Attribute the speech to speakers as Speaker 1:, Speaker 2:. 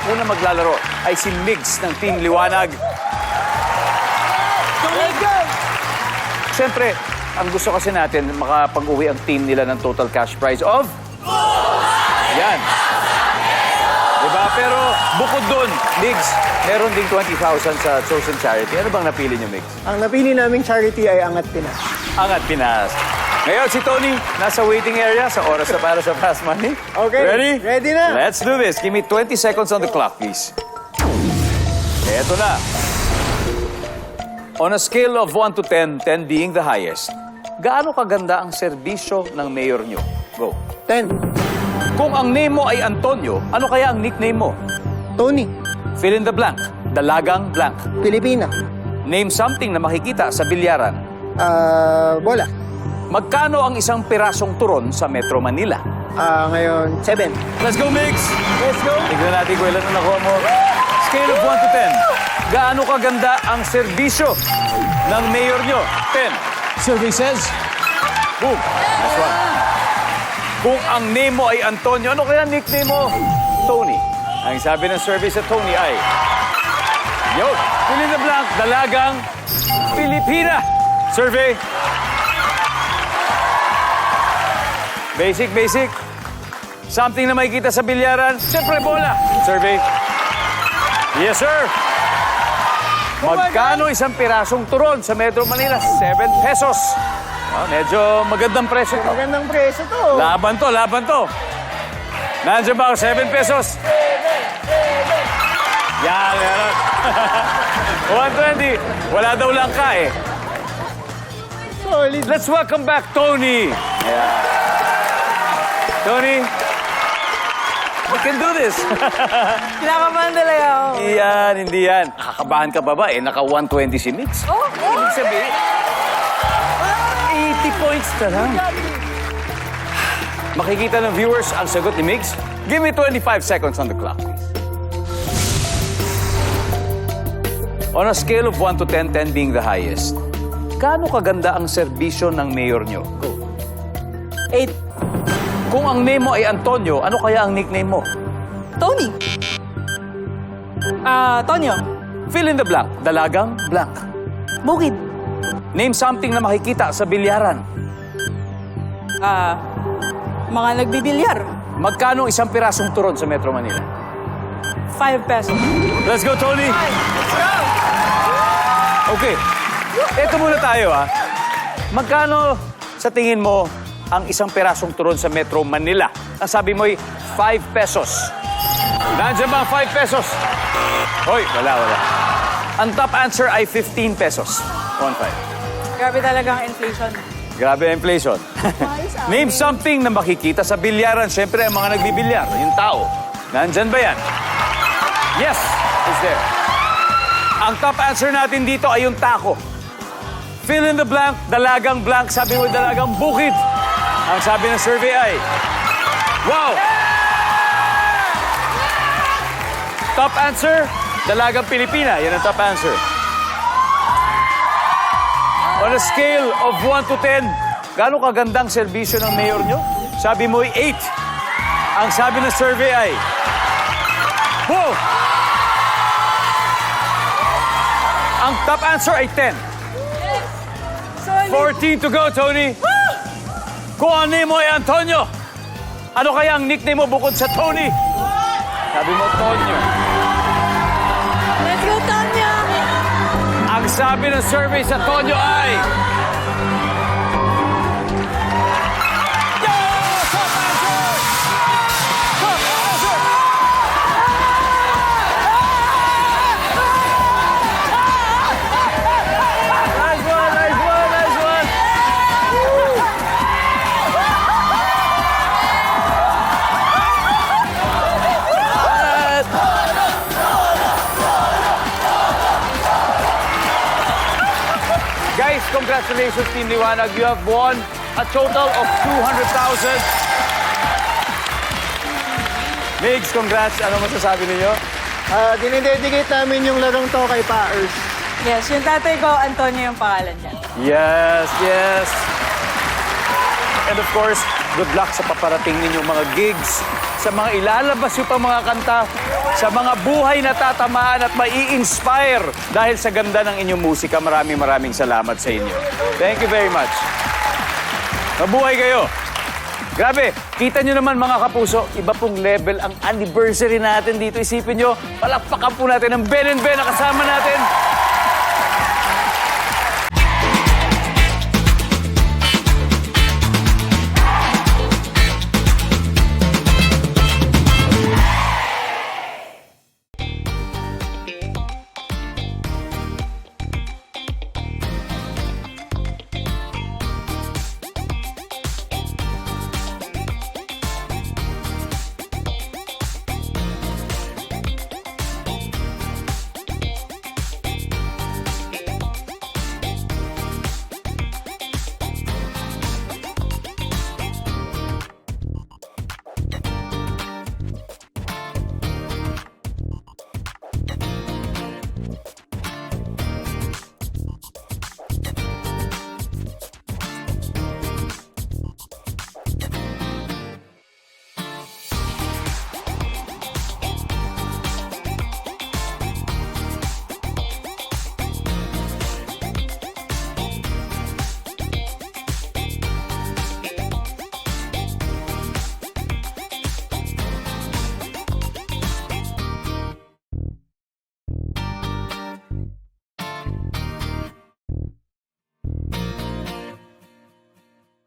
Speaker 1: Una maglalaro ay si Migs ng Team Liwanag. Siyempre, ang gusto kasi natin, makapag-uwi ang team nila ng total cash prize of... Yan. Diba? Pero bukod dun, Migs, meron ding 20,000 sa chosen charity. Ano bang napili niyo, Migs?
Speaker 2: Ang napili naming charity ay Angat Pinas.
Speaker 1: Angat Pinas. Ngayon, si Tony, nasa waiting area sa oras na para sa Fast Money.
Speaker 2: Okay.
Speaker 1: Ready?
Speaker 2: Ready na.
Speaker 1: Let's do this. Give me 20 seconds on the clock, please. Eto na. On a scale of 1 to 10, 10 being the highest, gaano kaganda ang serbisyo ng mayor nyo? Go.
Speaker 2: 10.
Speaker 1: Kung ang name mo ay Antonio, ano kaya ang nickname mo?
Speaker 2: Tony.
Speaker 1: Fill in the blank. Dalagang blank.
Speaker 2: Pilipina.
Speaker 1: Name something na makikita sa bilyaran.
Speaker 2: Bola.
Speaker 1: Magkano ang isang pirasong turon sa Metro Manila?
Speaker 2: Ngayon, 7.
Speaker 1: Let's go, Migs!
Speaker 2: Let's go.
Speaker 1: Tignan natin kung ilan na nakuha mo. Scale of 1 to 10. Gaano kaganda ang serbisyo ng mayor nyo? 10.
Speaker 3: Survey says,
Speaker 1: Boom. Nice one. Kung ang name mo ay Antonio, ano kaya nickname mo? Tony. Ang sabi ng survey sa Tony ay... Yo, fill in the blank, dalagang Pilipina. Survey. Basic, basic. Something na makikita sa bilyaran. Siyempre, bola. Survey. Yes, sir. Magkano isang pirasong turon sa Metro Manila? 7 pesos. Medyo magandang presyo to.
Speaker 2: Magandang preso to.
Speaker 1: Laban to, laban to. Nandiyan ba ako? 7 pesos? Yan, yan. 120. Wala daw lang ka eh.
Speaker 2: Solid.
Speaker 1: Let's welcome back Tony. Yeah. Tony, we can do this.
Speaker 4: Kinakabahan talaga ako.
Speaker 1: Hindi yan, hindi yan. Nakakabahan ka ba ba? Naka 120 si Mix.
Speaker 4: Oh,
Speaker 1: Ibig sabihin, 80 points na lang. Makikita ng viewers ang sagot ni Mix. Give me 25 seconds on the clock, please. On a scale of 1 to 10, 10 being the highest, gaano kaganda ang serbisyo ng mayor nyo? Go.
Speaker 4: 8.
Speaker 1: Kung ang name mo ay Antonio, ano kaya ang nickname mo?
Speaker 4: Tony. Tonyo.
Speaker 1: Fill in the blank. Dalagang blank.
Speaker 4: Bukid.
Speaker 1: Name something na makikita sa bilyaran.
Speaker 4: Mga nagbibilyar.
Speaker 1: Magkano isang pirasong turon sa Metro Manila?
Speaker 4: 5 pesos.
Speaker 1: Let's go, Tony! Okay. Ito muna tayo, ha. Magkano sa tingin mo ang isang pirasong turon sa Metro Manila? Ang sabi mo ay 5 pesos. Nandiyan ba ang 5 pesos? Hoy, wala. Ang top answer ay 15 pesos. 1-5.
Speaker 4: Grabe talaga ang inflation.
Speaker 1: Grabe ang inflation. Name something na makikita sa bilyaran. Siyempre, ang mga nagbibilyar, yung tao. Nandyan ba yan? Yes, it's there. Ang top answer natin dito ay yung taco. Fill in the blank, dalagang blank. Sabi mo, dalagang bukid. Ang sabi ng survey ay, wow! Top answer, dalagang Pilipina. Yan ang top answer. On a scale of 1 to 10, gaano kagandang serbisyo ng mayor nyo? Sabi mo ay 8. Ang sabi ng survey ay, wow! Ang top answer ay 10. 14 to go, Tony. Kung ang name mo ay Antonio, ano kaya ang nickname mo bukod sa Tony? Sabi mo, Tonyo.
Speaker 4: Let's go, Tonyo!
Speaker 1: Ang sabi ng survey sa Tonyo ay... Yo! Top answer! Top answer! Nice one, nice one, nice one! Guys, congratulations, Team Liwanag. You have won a total of 200,000. Migs, congrats. Ano masasabi ninyo?
Speaker 2: Dinidedicate namin yung larong to kay Paers.
Speaker 4: Yes, yung tatay ko, Antonio yung pangalan niya.
Speaker 1: Yes, yes. And of course, good luck sa paparating ninyong mga gigs, sa mga ilalabas yung pang mga kanta sa mga buhay na tatamaan at mai-inspire dahil sa ganda ng inyong musika. Maraming salamat sa inyo. Thank you very much. Mabuhay kayo. Grabe, kita nyo naman mga kapuso, iba pong level ang anniversary natin dito. Isipin nyo, palakpakan po natin ang Ben and Ben na kasama natin.